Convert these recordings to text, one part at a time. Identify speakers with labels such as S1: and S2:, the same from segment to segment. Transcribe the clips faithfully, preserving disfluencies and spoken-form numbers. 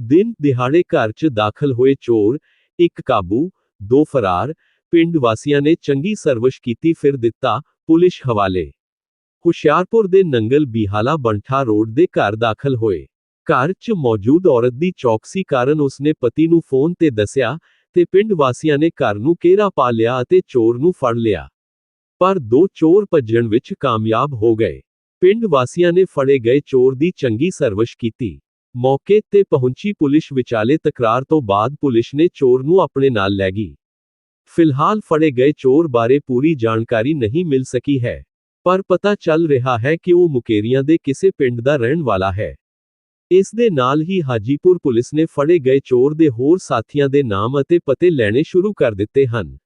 S1: दिन दिहाड़े घर च दाखल होए चोर, एक काबू, दो फरार। पिंड वासियां ने चंगी सर्विस कीती फिर दिता पुलिस हवाले। हुशियारपुर दे नंगल बिहाला बंठा रोड दे घर दाखल होए। घर च मौजूद औरत दी चौकसी कारण उसने पति नूं फोन ते दस्या ते पिंड वासियां ने घर नूं घेरा पा लिया अते चोर नूं फड़ लिया। पर दो चोर भज्जण विच कामयाब हो गए। पिंड वासियां ने फड़े गए चोर दी चंगी सर्विस कीती। मौके ते पहुंची पुलिस विचाले तकरार तो बाद पुलिस ने चोर नूं अपने नाल लै गई। फिलहाल फड़े गए चोर बारे पूरी जानकारी नहीं मिल सकी है, पर पता चल रहा है कि वो मुकेरियां दे किसे पिंड दा रहण वाला है। इस दे नाल ही हाजीपुर पुलिस ने फड़े गए चोर दे होर साथियां दे नाम अते पते लैणे शुरू कर दिते हन।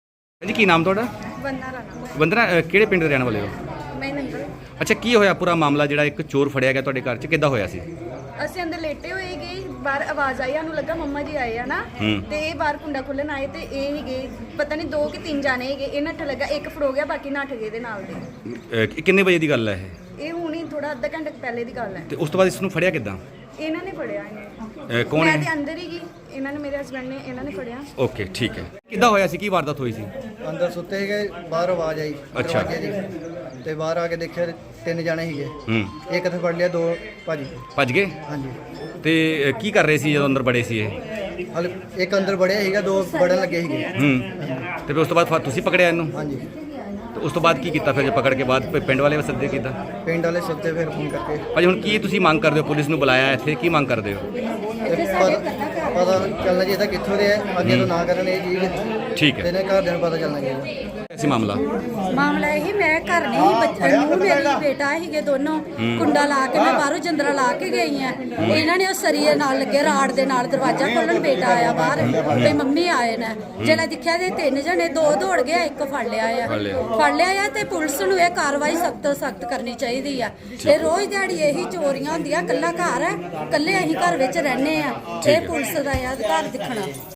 S2: जी की नाम थोड़ा?
S3: वंदना राणा।
S2: वंदना ਕਿਹੜੇ ਪਿੰਡ ਦੇ ਰਹਿਣ ਵਾਲੇ ਹੋ?
S3: ਮੈਂ ਨੰਗਲ।
S2: ਅੱਛਾ ਕੀ ਹੋਇਆ ਪੂਰਾ ਮਾਮਲਾ ਜਿਹੜਾ ਇੱਕ ਚੋਰ ਫੜਿਆ ਗਿਆ ਤੁਹਾਡੇ ਘਰ 'ਚ ਕਿੱਦਾਂ ਹੋਇਆ ਸੀ?
S3: ਅਸੀਂ ਅੰਦਰ ਲੇਟੇ ਹੋਏ ਗਏ, ਬਾਹਰ ਆਵਾਜ਼ ਆਈ, ਸਾਨੂੰ ਲੱਗਾ ਮੰਮਾ ਜੀ ਆਏ ਆ ਨਾ, ਤੇ ਇਹ ਬਾਹਰ ਕੁੰਡਾ ਖੋਲਣ ਆਏ ਤੇ ਇਹ ਹੀ ਗਏ, ਪਤਾ ਨਹੀਂ ਦੋ ਕਿ ਤਿੰਨ ਜਾਣੇ ਹੈਗੇ, ਇਹ ਨੱਠ ਲੱਗਾ, ਇੱਕ ਫੜੋ ਗਿਆ, ਬਾਕੀ ਨੱਠ ਗਏ ਦੇ ਨਾਲ ਦੇ।
S2: ਅਹ ਕਿੰਨੇ ਵਜੇ ਦੀ ਗੱਲ ਹੈ ਇਹ?
S3: ਇਹ ਹੁਣੀ ਥੋੜਾ ਅੱਧਾ ਘੰਟੇ ਪਹਿਲੇ ਦੀ ਗੱਲ ਹੈ।
S2: ਤੇ ਉਸ ਤੋਂ ਬਾਅਦ ਇਸ ਨੂੰ ਫੜਿਆ ਕਿੱਦਾਂ?
S3: ਇਹਨਾਂ ਨੇ ਫੜਿਆ ਇਹਨੇ।
S2: ਅਹ ਕੌਣ
S3: ਮੈਂ
S2: ਹੈ?
S3: ਤੇ ਅੰਦਰ ਹੀ ਗਈ, ਇਹਨਾਂ ਨੇ ਮੇਰੇ ਹਸਬੰਡ ਨੇ ਇਹਨਾਂ ਨੇ ਫੜਿਆ।
S2: ਓਕੇ ਠੀਕ ਹੈ। ਕਿੱਦਾਂ ਹੋਇਆ ਸੀ? ਕੀ ਵਾਰਦਾਤ ਹੋਈ ਸੀ?
S4: ਅੰਦਰ ਸੁੱਤੇ ਸੀਗੇ, ਬਾਹਰ ਆਵਾਜ਼ ਆਈ
S2: ਅੱਛਾ।
S4: ਦਰਵਾਜ਼ੇ ਦੀ, ਤੇ ਬਾਹਰ ਆ ਕੇ ਦੇਖਿਆ ਤਿੰਨ ਜਾਣੇ ਸੀਗੇ।
S2: ਹੂੰ
S4: ਇੱਕ ਇੱਥੇ ਫੜ ਲਿਆ, ਦੋ ਭਾਜੀ
S2: ਭੱਜ ਗਏ?
S4: ਹਾਂਜੀ।
S2: ਤੇ ਅਹ ਕੀ ਕਰ ਰਹੇ ਸੀ ਜਦੋਂ ਅੰਦਰ ਬੜੇ ਸੀ ਇਹ?
S4: ਹਲ ਇੱਕ ਅੰਦਰ ਵੜਿਆ ਸੀਗਾ, ਦੋ ਵੜਨ ਲੱਗੇ ਸੀਗੇ।
S2: ਹੂੰ ਤੇ ਫਿਰ ਉਸ ਤੋਂ ਬਾਅਦ ਫਿਰ ਤੁਸੀਂ ਪਕੜਿਆ ਇਹਨੂੰ?
S4: ਹਾਂਜੀ।
S2: ਤੇ ਉਸ ਤੋਂ ਬਾਅਦ ਕੀ ਕੀਤਾ ਫਿਰ ਜੇ ਪਕੜ ਕੇ ਬਾਅਦ ਫਿਰ ਪਿੰਡ ਵਾਲੇ ਸੱਦੇ ਕੀਤਾ?
S4: ਪਿੰਡ ਵਾਲੇ ਸੱਦੇ ਫਿਰ ਫੋਨ ਕਰਕੇ।
S2: ਭਾਜੀ ਹੁਣ ਕੀ ਤੁਸੀਂ ਮੰਗ ਕਰਦੇ ਹੋ? ਪੁਲਿਸ ਨੂੰ ਬੁਲਾਇਆ ਇੱਥੇ, ਕੀ ਮੰਗ ਕਰਦੇ ਹੋ?
S4: ਤੇ ਪਤਾ ਪਤਾ ਚੱਲਣਾ ਚਾਹੀਦਾ ਕਿੱਥੋਂ ਦੇ ਹੈ, ਅੱਗੇ ਤੋਂ ਨਾ ਕਰਨ ਇਹ ਚੀਜ਼।
S2: ਠੀਕ
S4: ਤੇ
S2: ਹੈ।
S4: ਇਹਨਾਂ ਘਰਦਿਆਂ ਨੂੰ ਪਤਾ ਚੱਲਣਾ ਚਾਹੀਦਾ।
S2: ਐਸੀ ਮਾਮਲਾ
S5: ਮਾਮਲਾ ਇਹ, ਮੈਂ ਘਰ ਨਹੀਂ ਸੀ, ਬੱਚਾ ਨੂੰ ਮੇਰੀ ਬੇਟਾ ਸੀਗੇ ਦੋਨੋਂ, ਕੁੰਡਾ ਲਾ ਕੇ ਮੈਂ ਬਾਹਰੋਂ ਜੰਦਰਾ ਲਾ ਕੇ ਗਈ ਆ। ਇਹਨਾਂ ਨੇ ਉਹ ਸਰੀਏ ਨਾਲ ਲੱਗੇ ਰਾੜ ਦੇ ਨਾਲ ਦਰਵਾਜ਼ਾ ਖੋਲਣ, ਬੇਟਾ ਆਇਆ ਬਾਹਰ ਤੇ ਮੰਮੀ ਆਏ ਨੇ। ਜਦੋਂ ਦੇਖਿਆ ਤੇ ਤਿੰਨ ਜਣੇ, ਦੋ ਦੌੜ ਗਏ, ਇੱਕ ਫੜ ਲਿਆ ਆ ਫੜ ਲਿਆ ਆ ਤੇ ਪੁਲਿਸ ਨੂੰ ਇਹ ਕਾਰਵਾਈ ਸਖਤ ਤੋਂ ਸਖਤ ਕਰਨੀ ਚਾਹੀਦੀ ਆ। ਇਹ ਰੋਜ਼ ਦਿਹਾੜੀ ਇਹੀ ਚੋਰੀਆਂ ਹੁੰਦੀਆਂ, ਕੱਲਾ ਘਰ ਹੈ, ਕੱਲੇ ਅਸੀਂ ਘਰ ਵਿੱਚ ਰਹਿੰਦੇ ਆ, ਇਹ ਪੁਲਿਸ ਦਾ ਆ ਅਧਿਕਾਰ ਦਿਖਣਾ।